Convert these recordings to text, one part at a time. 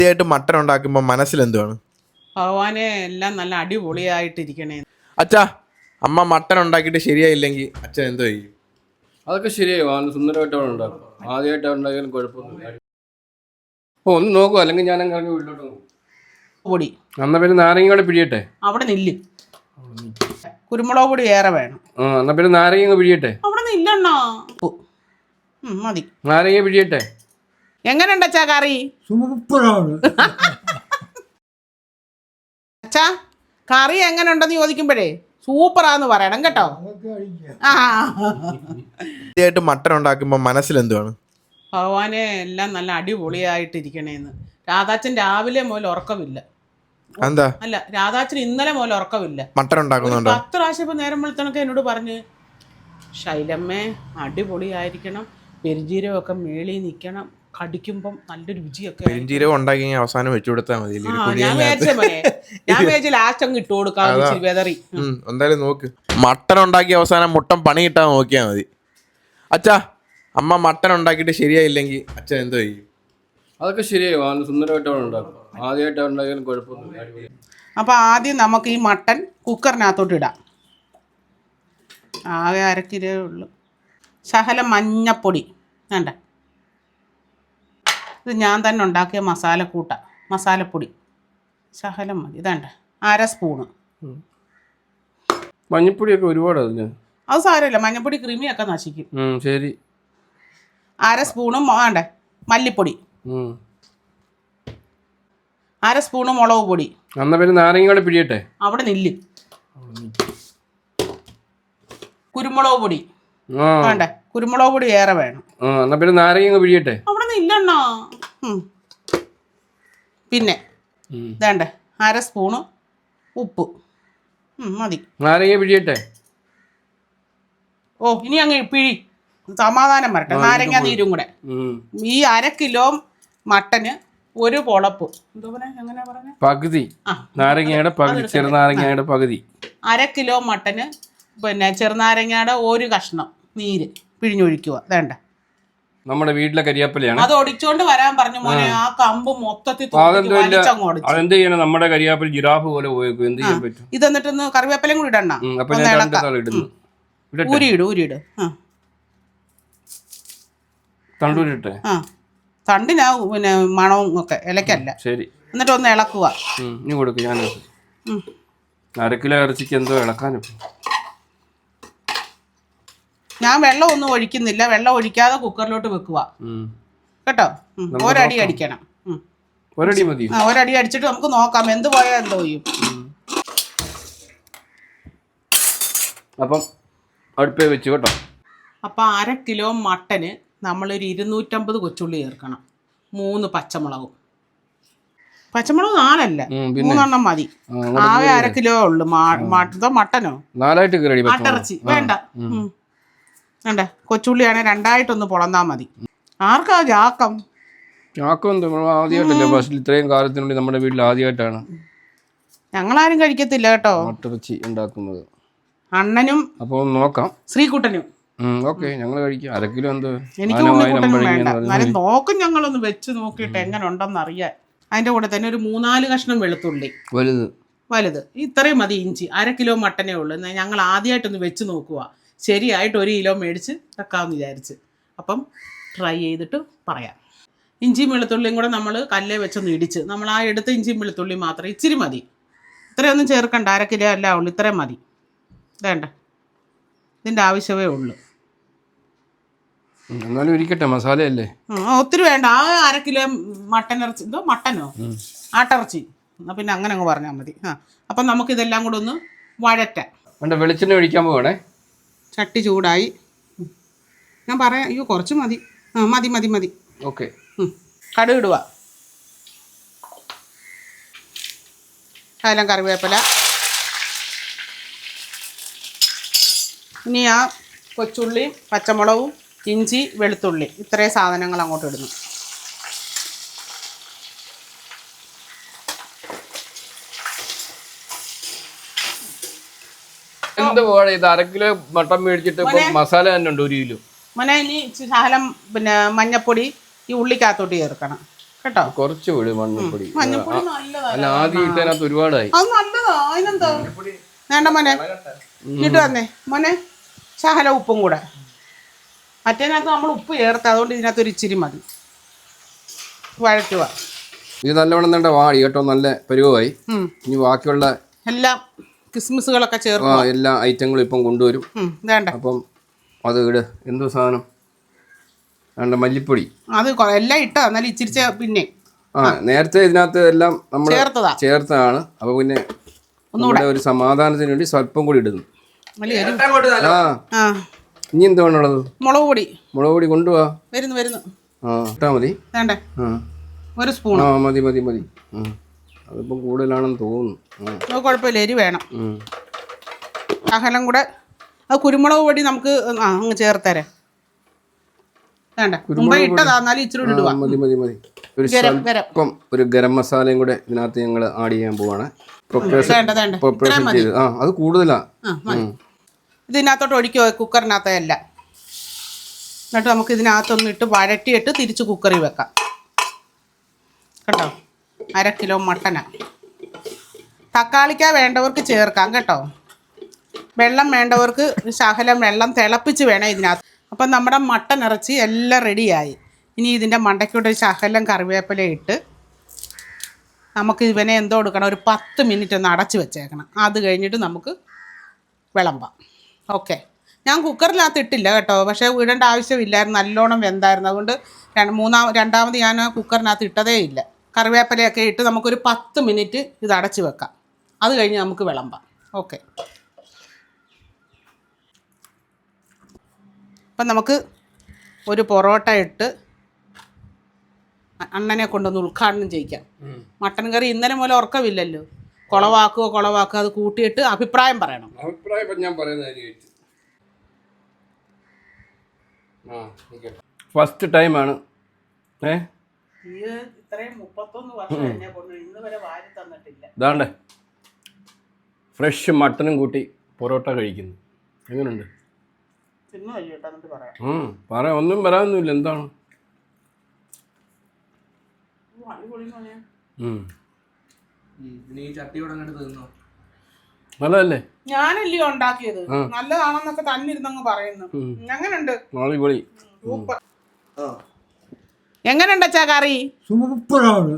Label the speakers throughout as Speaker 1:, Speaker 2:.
Speaker 1: ആദ്യമായിട്ട് മട്ടൻ ഉണ്ടാക്കുമ്പോൾ മനസ്സിലെന്തുവാണ്?
Speaker 2: ഭഗവാനെ എല്ലാം നല്ല അടിപൊളിയായിട്ടിരിക്കണേ.
Speaker 1: അച്ഛാ, അമ്മ മട്ടൻ ഉണ്ടാക്കിയിട്ട് ശരിയായില്ലെങ്കിൽ അച്ഛൻ എന്തോ ചെയ്യും?
Speaker 3: അതൊക്കെ ശരിയായി സുന്ദരമായിട്ട് അവൻ ഉണ്ടാക്കും. ആദ്യമായിട്ട് ഉണ്ടാക്കിയാലും കുഴപ്പമൊന്നുമില്ല. അപ്പോൾ ഒന്ന് നോക്കുക, അല്ലെങ്കിൽ ഞാൻ അങ്ങ് വീട്ടിലോട്ട് പോകും.
Speaker 2: പൊടി
Speaker 3: എന്നാൽ പിന്നെ നാരങ്ങ കൂടെ പിടിയട്ടെ.
Speaker 2: അവിടെ നില്ല്. കുരുമുളക് പൊടി ഏറെ വേണം.
Speaker 3: എന്നാൽ പിന്നെ നാരങ്ങ പിടിയട്ടെ.
Speaker 2: അവിടെ നില്ലണ്ണോ. മതി.
Speaker 3: നാരങ്ങ പിടിയട്ടെ.
Speaker 2: എങ്ങനെയുണ്ട് അച്ഛാ കറി?
Speaker 4: സൂപ്പറാണ്.
Speaker 2: അച്ഛാ കറി എങ്ങനെ ഉണ്ടെന്ന് ചോദിക്കുമ്പോഴേ സൂപ്പറാന്ന് പറയണം കേട്ടോ.
Speaker 1: ആദ്യമായിട്ട് മട്ടൻ ഉണ്ടാക്കുമ്പോൾ മനസ്സിലെന്തുവാണ്?
Speaker 2: ഭഗവാനെ എല്ലാം നല്ല അടിപൊളിയായിട്ടിരിക്കണേന്ന്. രാധാച്ചൻ രാവിലെ മുതൽ ഉറക്കമില്ല.
Speaker 1: എന്താ?
Speaker 2: അല്ല, രാധാച്ചൻ ഇന്നലെ മുതൽ ഉറക്കമില്ല.
Speaker 1: മട്ടൻ ഉണ്ടാക്കുന്നുണ്ടോ?
Speaker 2: 10 പ്രാവശ്യം ഇപ്പൊ നേരം വെളുത്തണൊക്കെ എന്നോട് പറഞ്ഞ്, ശൈലമ്മേ അടിപൊളിയായിരിക്കണം, പെരുംജീരകമൊക്കെ മേളിൽ നിൽക്കണം, കടിക്കുമ്പം നല്ല രുചിയൊക്കെ.
Speaker 1: പെരുംജീരകം ഉണ്ടാക്കി അവസാനം വെച്ചു കൊടുത്താൽ മതി.
Speaker 2: ഞാൻ വിചാരിച്ച ലാസ്റ്റ് അങ്ങ് ഇട്ട് കൊടുക്കാം വെതറി.
Speaker 1: എന്തായാലും നോക്ക്, മട്ടൻ ഉണ്ടാക്കി അവസാനം മുട്ടൻ പണി കിട്ടാൻ നോക്കിയാൽ മതി. അച്ഛാ, അമ്മ മട്ടൻ ഉണ്ടാക്കിയിട്ട് ശരിയായില്ലെങ്കിൽ അച്ഛൻ എന്തോ ചെയ്യും?
Speaker 3: അതൊക്കെ ശരിയായി സുന്ദരമായിട്ട് അവൻ ഉണ്ടാക്കും. ആദ്യമായിട്ട് ഉണ്ടാക്കിയാലും കുഴപ്പമൊന്നുമില്ല.
Speaker 2: അപ്പോൾ ആദ്യം നമുക്ക് ഈ മട്ടൻ കുക്കറിനകത്തോട്ട് ഇടാം. ആകെ 1/2 കിലോ ഉള്ളു. ശകലം മഞ്ഞപ്പൊടി വേണ്ട, ഇത് ഞാൻ തന്നെ ഉണ്ടാക്കിയ മസാലപ്പൊടി ശകലം മതി. ഇതേണ്ട 1/2 സ്പൂണ്.
Speaker 3: മഞ്ഞപ്പൊടിയൊക്കെ ഒരുപാട് അതിന്.
Speaker 2: അത് സാരമില്ല, മഞ്ഞപ്പൊടി ക്രിമിയൊക്കെ നശിക്കും.
Speaker 3: ശരി.
Speaker 2: 1/2 സ്പൂണും വേണ്ടേ മല്ലിപ്പൊടി, 1/2 സ്പൂണ് മുളക് പൊടി.
Speaker 3: എന്നാൽ പിന്നെ നാരങ്ങ കൂടെ പിടിയട്ടെ.
Speaker 2: അവിടെ നില്ല്. കുരുമുളക് പൊടി വേണ്ടേ, കുരുമുളക് പൊടി ഏറെ വേണം.
Speaker 3: എന്നാൽ പിന്നെ നാരങ്ങ പിടിയട്ടെ.
Speaker 2: അവിടെ നില്ലണ്ണോ. പിന്നെ വേണ്ടേ 1/2 സ്പൂണ് ഉപ്പ് മതി.
Speaker 3: നാരങ്ങ പിടിയട്ടെ.
Speaker 2: ഓ ഇനി അങ്ങ് പിഴി, സമാധാനം വരട്ടെ. നാരങ്ങ നീരും കൂടെ. ഈ 1/2 കിലോ മട്ടന് ഒരു പൊളപ്പ്, എങ്ങനെയാ പറഞ്ഞ
Speaker 3: പകുതി നാരങ്ങയുടെ പകുതി, ചെറുനാരങ്ങയുടെ പകുതി.
Speaker 2: 1/2 കിലോ മട്ടന് പിന്നെ ചെറുനാരങ്ങയുടെ ഒരു കഷ്ണം നീര് പിഴിഞ്ഞൊഴിക്കുക. വേണ്ട,
Speaker 3: നമ്മുടെ വീട്ടിലെ കരിയാപ്പലയാണ്.
Speaker 2: അത് ഒടിച്ചോണ്ട് വരാൻ പറഞ്ഞു മോനെ. ആ കമ്പ് മൊത്തത്തിൽ
Speaker 3: അതെന്ത് ചെയ്യണം? നമ്മുടെ കരിയാപ്പല ജിറാഫ് പോലെ പോയേക്കും. എന്ത് ചെയ്യാൻ പറ്റും?
Speaker 2: ഇത് എന്നിട്ടൊന്ന് കറിവേപ്പിലയും കൂടി ഇടണ്ട. ഊരിയിട്.
Speaker 3: തണ്ടൂരിട്ടെ.
Speaker 2: തണ്ടിനാ പിന്നെ മണവും ഒക്കെ, ഇലക്കല്ല.
Speaker 3: ശരി.
Speaker 2: എന്നിട്ട് ഒന്ന് ഇളക്കുക.
Speaker 3: ഇനി കൊടുക്കും. ഞാൻ 1/2 കിലോ ഇറച്ചിക്ക് എന്തോ ഇളക്കാനും.
Speaker 2: ഞാൻ വെള്ളം ഒന്നും ഒഴിക്കുന്നില്ല. വെള്ളം ഒഴിക്കാതെ കുക്കറിലോട്ട് വെക്കുക കേട്ടോ. ഒരടി അടിക്കണം.
Speaker 3: ഒരടി മതി.
Speaker 2: ഒരടി അടിച്ചിട്ട് നമുക്ക് നോക്കാം എന്ത് പോയാൽ എന്തോ ചെയ്യും.
Speaker 3: അപ്പം അടുപ്പേ വെച്ചു കേട്ടോ.
Speaker 2: അപ്പം 1/2 കിലോ മട്ടന് നമ്മളൊരു 250 കൊച്ചുള്ളി ചേർക്കണം. 3 പച്ചമുളകും. പച്ചമുളക് 4 അല്ല, 3 മതി. ആകെ 1/2 കിലോ ഉള്ളു. മട്ടനോ
Speaker 3: 4
Speaker 2: ആട്ടിറച്ചി വേണ്ട. വേണ്ട, കൊച്ചുള്ളിയാണെ 2 പൊളന്നാ മതി. ആർക്കാ ചാക്കം?
Speaker 3: ആദ്യമായിട്ടല്ലേ ഫസ്റ്റിൽ, ഇത്രയും കാലത്തിനുള്ളിൽ നമ്മുടെ വീട്ടിൽ ആദ്യമായിട്ടാണ്
Speaker 2: ഞങ്ങളാരും കഴിക്കത്തില്ല കേട്ടോ
Speaker 3: ആട്ടിറച്ചി ഉണ്ടാക്കുന്നത്.
Speaker 2: അണ്ണനും
Speaker 3: അപ്പോൾ നോക്കാം,
Speaker 2: ശ്രീകുട്ടനും.
Speaker 3: ഓക്കെ, ഞങ്ങൾ കഴിക്കാം. 1/2 കിലോ എന്തോ.
Speaker 2: എനിക്ക് ഉണ്ണിക്കുട്ടനും വേണ്ട. എന്നാലും നോക്കും, ഞങ്ങളൊന്ന് വെച്ച് നോക്കിയിട്ട് എങ്ങനെ ഉണ്ടെന്ന് അറിയാൻ. അതിൻ്റെ കൂടെ തന്നെ ഒരു 3-4 കഷ്ണം വെളുത്തുള്ളി വലുത്. ഇത്രയും മതി. ഇഞ്ചി 1/2 കിലോ മട്ടനേ ഉള്ളൂ. എന്നാൽ ഞങ്ങൾ ആദ്യമായിട്ടൊന്ന് വെച്ച് നോക്കുക. ശരിയായിട്ട് 1 കിലോ മേടിച്ച് വെക്കാമെന്ന് വിചാരിച്ച്. അപ്പം ട്രൈ ചെയ്തിട്ട് പറയാം. ഇഞ്ചിയും വെളുത്തുള്ളിയും കൂടെ നമ്മൾ കല്ലേ വെച്ചൊന്ന് ഇടിച്ച്, നമ്മൾ ആ എടുത്ത ഇഞ്ചിയും വെളുത്തുള്ളിയും മാത്രം ഇച്ചിരി മതി. ഇത്രയൊന്നും ചേർക്കണ്ട. 1/2 കിലോ അല്ല ഉള്ളൂ, ഇത്രയും മതി. വേണ്ട, ഇതിൻ്റെ ആവശ്യമേ ഉള്ളൂ.
Speaker 3: എന്നാലും ഇരിക്കട്ടെ, മസാലയല്ലേ.
Speaker 2: ഒത്തിരി വേണ്ട. ആ 1/2 കിലോ മട്ടനിറച്ചി, മട്ടനോ ആട്ടിറച്ചി, എന്നാൽ പിന്നെ അങ്ങനെ അങ്ങ് പറഞ്ഞാൽ മതി. അപ്പം നമുക്കിതെല്ലാം കൂടെ ഒന്ന് വഴറ്റാം.
Speaker 3: വെളിച്ചെണ്ണ ഒഴിക്കാൻ പോകണേ.
Speaker 2: ചട്ടി ചൂടായി. ഞാൻ പറയാം. അയ്യോ കുറച്ച് മതി. മതി.
Speaker 3: ഓക്കെ.
Speaker 2: കടുക് ഇടുക. ശകലം കറിവേപ്പില. ഇനി ആ കൊച്ചുള്ളിയും പച്ചമുളകും ഇഞ്ചി വെളുത്തുള്ളി ഇത്രയും സാധനങ്ങൾ അങ്ങോട്ട് ഇടുന്നു.
Speaker 3: എന്ത് പോകണം? ഇത് 1/2 കിലോ മട്ടൻ മേടിച്ചിട്ട് മസാല തന്നെ ഉണ്ട് 1 കിലോ.
Speaker 2: മോനെ ഇനി ശകലം പിന്നെ മഞ്ഞപ്പൊടി ഈ ഉള്ളിക്കകത്തോട്ട് ചേർക്കണം. കേട്ടോ.
Speaker 3: കുറച്ച് വിട് മഞ്ഞപ്പൊടി.
Speaker 2: മഞ്ഞപ്പൊടി നല്ലതാ.
Speaker 3: അല്ല ആദ്യം ഇട്ടതിനകത്ത് ഒരുപാടായി.
Speaker 2: അത് നല്ലതാ. അതിനെന്താ വേണ്ട മോനെ, ഇങ്ങോട്ട് വന്നേ മോനെ. ശകല ഉപ്പും കൂടെ. മറ്റേനകത്ത് നമ്മൾ ഉപ്പ് ചേർത്ത്, അതുകൊണ്ട് ഇതിനകത്ത് ഒരു ഇച്ചിരി മതി. വഴറ്റുക.
Speaker 3: ഇത് നല്ലവണ്ണം തന്നെ വാടി കേട്ടോ, നല്ല പരുവമായി. ഇനി ബാക്കിയുള്ള
Speaker 2: എല്ലാം കിസ്മിസുകളൊക്കെ ചേർക്കുക.
Speaker 3: എല്ലാ ഐറ്റങ്ങളും ഇപ്പം കൊണ്ടുവരും.
Speaker 2: വേണ്ട
Speaker 3: അപ്പം അത് ഇട്. എന്തോ സാധനം വേണ്ട, മല്ലിപ്പൊടി.
Speaker 2: അത് എല്ലാം ഇട്ടാ എന്നാലും ഇച്ചിരി പിന്നെ
Speaker 3: നേരത്തെ ഇതിനകത്ത് എല്ലാം നമ്മൾ ചേർത്താണ്. അപ്പൊ പിന്നെ ഒന്നുകൂടെ ഒരു സമാധാനത്തിന് വേണ്ടി സ്വല്പം കൂടി ഇടുന്നു. ഇനി എന്താ വേണുള്ളത്?
Speaker 2: മുളക് പൊടി.
Speaker 3: മുളക് പൊടി കൊണ്ടുപോവാ.
Speaker 2: വരുന്നു.
Speaker 3: ഇട്ടാ മതി.
Speaker 2: വേണ്ടേ? ഒരു സ്പൂൺ.
Speaker 3: മതി. അതിപ്പം കൂടുതലാണെന്ന് തോന്നുന്നു.
Speaker 2: കുഴപ്പമില്ല, എരി വേണം. ശകലം കൂടെ അത് കുരുമുളക് പൊടി നമുക്ക് അങ്ങ് ചേർത്തരാം. വേണ്ട, മുമ്പേ ഇട്ടതാ, എന്നാലും ഇച്ചിരി ഇടുക.
Speaker 3: മതി. ഒരു സ്വല്പം ഒരു ഗരം മസാലയും കൂടെ ഇതിനകത്ത് ഞങ്ങൾ ആഡ് ചെയ്യാൻ പോവാണ്. പ്രിപ്പറേഷൻ ചെയ്ത് അത് കൂടുതലാ.
Speaker 2: ഇതിനകത്തോട്ട് ഒഴിക്കോ, കുക്കറിനകത്തല്ല. എന്നിട്ട് നമുക്ക് ഇതിനകത്തൊന്ന് ഇട്ട് വഴറ്റിയിട്ട് തിരിച്ച് കുക്കറിൽ വെക്കാം കേട്ടോ. 1/2 കിലോ മട്ടനാ. തക്കാളിക്ക വേണ്ടവർക്ക് ചേർക്കാം കേട്ടോ. വെള്ളം വേണ്ടവർക്ക് ശകലം വെള്ളം തിളപ്പിച്ച് വേണം ഇതിനകത്ത്. അപ്പം നമ്മുടെ മട്ടൻ ഇറച്ചി എല്ലാം റെഡിയായി. ഇനി ഇതിൻ്റെ മണ്ടയ്ക്കൂടെ ഒരു ശകലം കറിവേപ്പില ഇട്ട് നമുക്ക് ഇവനെ എന്തോ കൊടുക്കണം, ഒരു 10 മിനിറ്റ് ഒന്ന് അടച്ച് വെച്ചേക്കണം. അത് കഴിഞ്ഞിട്ട് നമുക്ക് വിളമ്പാം. ഓക്കെ. ഞാൻ കുക്കറിനകത്ത് ഇട്ടില്ല കേട്ടോ, പക്ഷേ ഇടേണ്ട ആവശ്യമില്ലായിരുന്നു, നല്ലോണം വെന്തായിരുന്നു. അതുകൊണ്ട് രണ്ടാമത് ഞാൻ കുക്കറിനകത്ത് ഇട്ടതേ ഇല്ല. കറിവേപ്പിലയൊക്കെ ഇട്ട് നമുക്കൊരു 10 മിനിറ്റ് ഇത് അടച്ച് വെക്കാം. അത് കഴിഞ്ഞ് നമുക്ക് വിളമ്പാം. ഓക്കെ. അപ്പം നമുക്ക് ഒരു പൊറോട്ട ഇട്ട് അണ്ണനെ കൊണ്ടൊന്ന് ഉദ്ഘാടനം ചെയ്യിക്കാം. മട്ടൻ കറി ഇന്നലെ മൂലം ഉറക്കമില്ലല്ലോ. കുളവാക്കുക അത് കൂട്ടിയിട്ട് അഭിപ്രായം പറയണം.
Speaker 3: ഞാൻ ഫസ്റ്റ് ടൈമാണ്. ഇതാണ്ടേ ഫ്രഷ് മട്ടനും കൂട്ടി പൊറോട്ട കഴിക്കുന്നു. എങ്ങനെയുണ്ട്? പറയാം, ഒന്നും പറയാനൊന്നുമില്ല. എന്താണ് നല്ലതല്ലേ?
Speaker 2: ഞാനല്ലയോ ഉണ്ടാക്കിയത്, നല്ലതാണെന്നൊക്കെ തന്നിരുന്നങ്ങ് പറയുന്നു. എങ്ങനെയുണ്ട്? എങ്ങനെയുണ്ട് അച്ഛാ കറി?
Speaker 4: സൂപ്പറാണ്.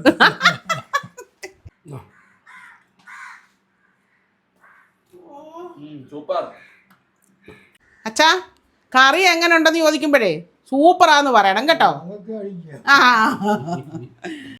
Speaker 2: അച്ഛാ കറി എങ്ങനെ ഉണ്ടെന്ന് ചോദിക്കുമ്പോഴേ സൂപ്പറാന്ന് പറയണം കേട്ടോ. ആ